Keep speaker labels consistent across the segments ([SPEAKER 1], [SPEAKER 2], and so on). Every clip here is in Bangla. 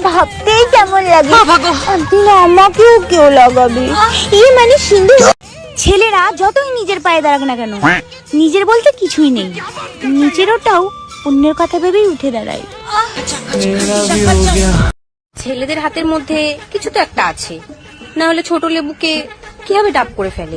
[SPEAKER 1] ভাবতেই কেমন লাগে। তুই আমাকেও কেউ লাগাবি? মানে সিন্ধু। ছেলেরা যতই নিজের পায়ে দাঁড়াক না কেন, নিজের বলতে কিছুই নেই। নিজের ওটাও অন্যের কথা ভেবেই উঠে দাঁড়ায়।
[SPEAKER 2] ছেলেদের হাতের মধ্যে কিছু তো একটা আছে, না হলে ছোট লেবুকে কিভাবে ডাব করে ফেলে।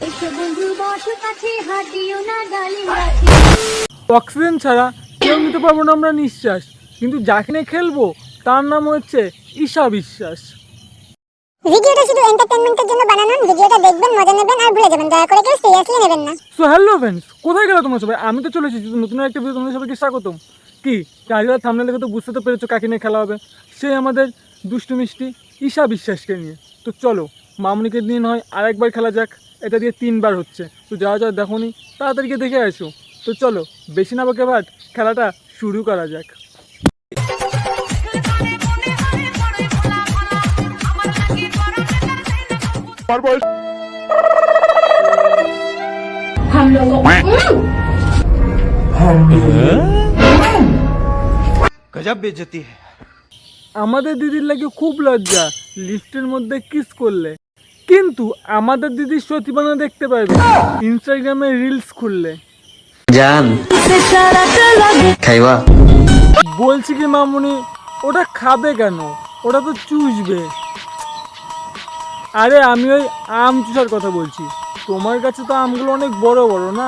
[SPEAKER 3] অক্সিজেন ছাড়া কেউ নিতে পারবো না আমরা নিঃশ্বাস, কিন্তু যাকে নিয়ে খেলবো তার নাম হচ্ছে ঈশা বিশ্বাস।
[SPEAKER 1] ভিডিওটা শুধু এন্টারটেইনমেন্টের জন্য বানানো। ভিডিওটা দেখবেন, মজা নেবেন আর ভুলে যাবেন। দয়া করে কেউ সিরিয়াসলি নেবেন না।
[SPEAKER 3] সো হ্যালো ফ্রেন্ডস, কোথায় গেলো তোমরা সবাই? আমি তো চলে এসেছি নতুন একটা ভিডিও, তোমাদের সবাইকে স্বাগতম। কি টাইটেল থাম্বনেল দেখে তো বুঝতে তো পেরেছো কাকে নিয়ে খেলা হবে। সে আমাদের দুষ্টু মিষ্টি ঈশা বিশ্বাসকে নিয়ে। তো চলো মামনিকে নিয়ে নয় আরেকবার খেলা যাক। এটা দিয়ে 3 বার হচ্ছে। তো যারা যারা দেখোনি তাড়াতাড়ি গিয়ে দেখে আসো। তো চলো বেশি না বকে ভাট, খেলাটা শুরু করা যাক।
[SPEAKER 4] गजब बेइज्जती है।
[SPEAKER 3] আমাদের দিদির লাগে খুব লজ্জা লিফটের মধ্যে কিস করলে, কিন্তু আমাদের দিদির সতীপনা দেখতে পারবে ইনস্টাগ্রামে রিলস খুললে।
[SPEAKER 5] জান খাইবা?
[SPEAKER 3] বলছি কি মামুনি, ওটা খাবে কেন? ওটা তো চুষবে। আরে আমি ওই আম চুষার কথা বলছি। তোমার কাছে তো আমগুলো অনেক বড় বড় না?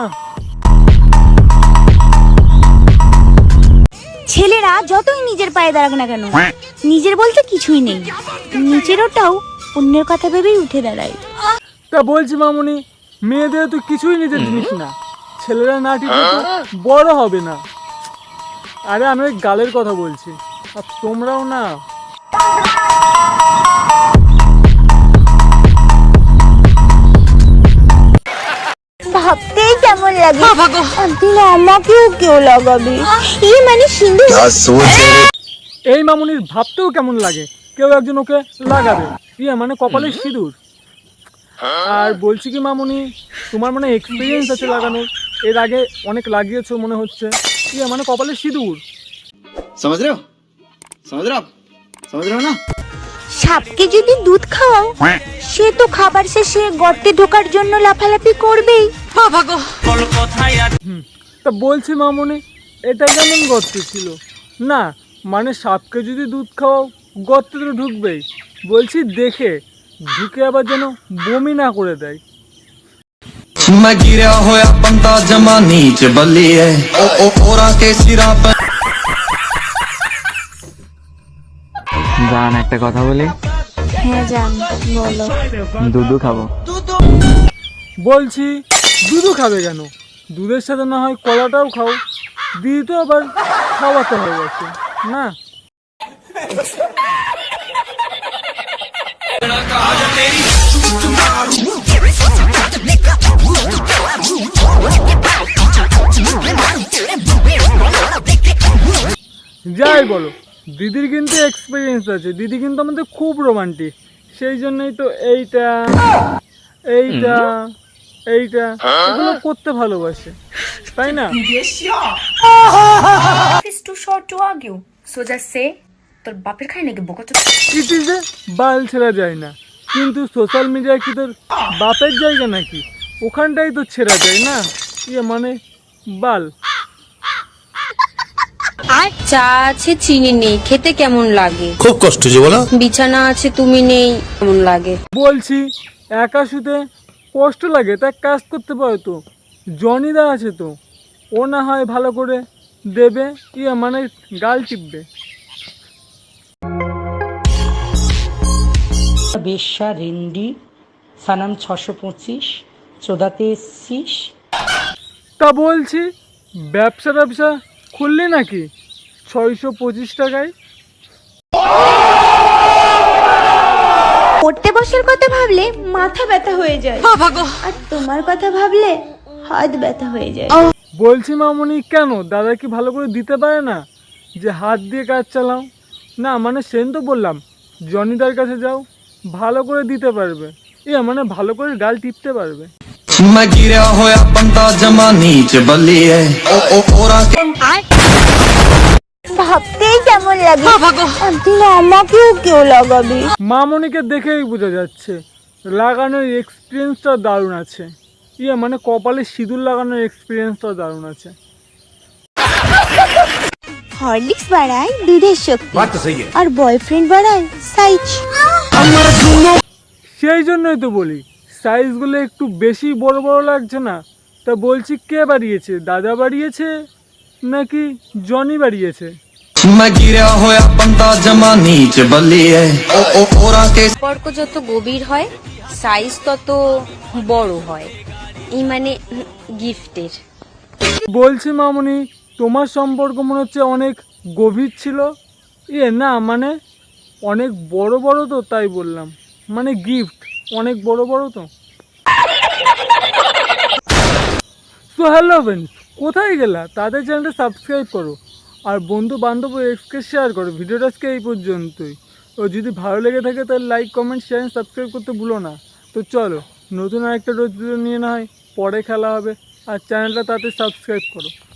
[SPEAKER 1] ছেলেরা যতই নিজের পায়ে দাঁড়াক না কেন, নিজের বলতে কিছুই নেই। নিজের ওটাও অন্যের কথা ভেবেই উঠে দাঁড়ায়।
[SPEAKER 3] তা বলছি মামুনি, মেয়েদের তো কিছুই নিজের জিনিস না। ছেলেরা না ঠিক বড় হবে না। আরে আমি ওই গালের কথা বলছি, আর তোমরাও না।
[SPEAKER 1] ভাবতেই কেমন লাগে। তুই আমাকেও কেউ লাগাবি? মানে সিন্ধু।
[SPEAKER 3] এই মামুনির ভাবতেও কেমন লাগে কেউ একজন ওকে লাগাবে। মানে কপালের সিঁদুর। আর বলছি কি মামুনি, তোমার মানে এক্সপিরিয়েন্স আছে লাগানোর, এর আগে অনেক লাগিয়েছো মনে হচ্ছে। মানে কপালের সিঁদুর।
[SPEAKER 4] समझ रहे हो? समझ रहे हो आप? समझ रहे हो ना?
[SPEAKER 1] সাপকে যদি দুধ খাওয়াও, সে তো খাবার শেষে গর্তে ঢোকার জন্য লাফালাফি করবেই।
[SPEAKER 3] তা বলছি মামুনি, এটা কেমন গর্ত ছিল? না মানে সাপকে যদি দুধ খাওয়াও গর্তে তো ঢুকবেই। বলছি দেখে ঢুকে আবার যেন বমি না করে দেয়।
[SPEAKER 5] मैं गिरा होया बंदा जमा नीच बलिए ओ ओरा के सिरा पे।
[SPEAKER 6] জান একটা কথা বলি?
[SPEAKER 1] হ্যাঁ জান, বলো।
[SPEAKER 6] দুধু খাবো।
[SPEAKER 3] বলছি দুধও খাবে কেন? দুধের সাথে না হয় কলাটাও খাও। দিদি তো আবার খাওয়াতে হয়ে গেছে না। যাই বলো, দিদির কিন্তু এক্সপিরিয়েন্স আছে। দিদি কিন্তু আমাদের খুব রোমান্টিক। সেই জন্যই তো এইটা এইটা এইটা এগুলো করতে ভালোবাসে, তাই না?
[SPEAKER 2] It's too short to argue. So just say, তোর বাপের খাই নাকি বকা চোদা?
[SPEAKER 3] ইটিজে বাল ছেড়া যায় না, কিন্তু সোশ্যাল মিডিয়ায় কি তোর বাপের জায়গা নাকি? ওখানটাই তো ছেড়া যায় না। মানে বাল।
[SPEAKER 2] আর চা আছে চিনি নেই, খেতে কেমন লাগে?
[SPEAKER 7] খুব কষ্ট যে বলো।
[SPEAKER 2] বিছানা আছে তুমি নেই, কেমন লাগে?
[SPEAKER 3] বলছি একা শুতে কষ্ট লাগে, তা কাজ করতে পারো তো। জনিদা আছে তো, ও না হয় ভালো করে দেবে। মানে গাল টিপবে।
[SPEAKER 8] বেশ্যা রেন্ডি সানাম 625 চোদাতে এসছিস।
[SPEAKER 3] তা বলছি ব্যবসা খুললি নাকি 625 টাকায়?
[SPEAKER 1] পড়তে বসার কথা ভাবলে মাথা ব্যথা হয়ে যায়, আর তোমার কথা ভাবলে হাত ব্যথা হয়ে যায়।
[SPEAKER 3] বলছি মামুনি, কেন দাদা কি ভালো করে দিতে পারে না যে হাত দিয়ে কাজ চালাও? না মানে সেন তো বললাম জনিদার কাছে যাও, ভালো করে দিতে পারবে। মানে ভালো করে গাল টিপতে পারবে।
[SPEAKER 5] मैं गिरा होया बंदा जमा नीच बलिए ओ ओरा के।
[SPEAKER 1] ভাবতেই কেমন লাগে তুই আমাকেও কেউ লাগাবি।
[SPEAKER 3] মামনিকে দেখেই বোঝা যাচ্ছে লাগানোর এক্সপিরিয়েন্সটা দারুণ আছে। মানে কপালে সিঁদুর লাগানোর এক্সপিরিয়েন্সটা দারুণ আছে।
[SPEAKER 1] হরলিক্স বাড়ায় দুধের শক্তি আর বয়ফ্রেন্ড বাড়ায় সাইজ।
[SPEAKER 3] সেই জন্যই তো বলি সাইজগুলো একটু বেশি বড় বড় লাগছে না? তা বলছি কে বাড়িয়েছে, দাদা বাড়িয়েছে নাকি জনি বাড়িয়েছে?
[SPEAKER 5] मैं गिरा होया बंदा जमा नीच बल्लिए ओ ओरा के
[SPEAKER 2] সম্পর্ক যত গভীর হয় সাইজ তত বড় হয়, এই মানে গিফটের।
[SPEAKER 3] বলছি মামনি তোমার সম্পর্ক মনে হচ্ছে অনেক গভীর ছিল। না মানে অনেক বড় বড় তো, তাই বললাম। মানে গিফট অনেক বড় বড় তো। সো হ্যালো ফ্রেন্ডস, কোথায় গেলা? তাদের চ্যানেলটা সাবস্ক্রাইব করো আর বন্ধু বান্ধব এক্সকে শেয়ার করো। ভিডিওটা আজকে এই পর্যন্তই। ও যদি ভালো লেগে থাকে তাহলে লাইক কমেন্ট শেয়ার সাবস্ক্রাইব করতে ভুলো না। তো চলো নতুন আরেকটা রোজ ভিডিও নিয়ে না হয় পরে খেলা হবে, আর চ্যানেলটা তাতে সাবস্ক্রাইব করো।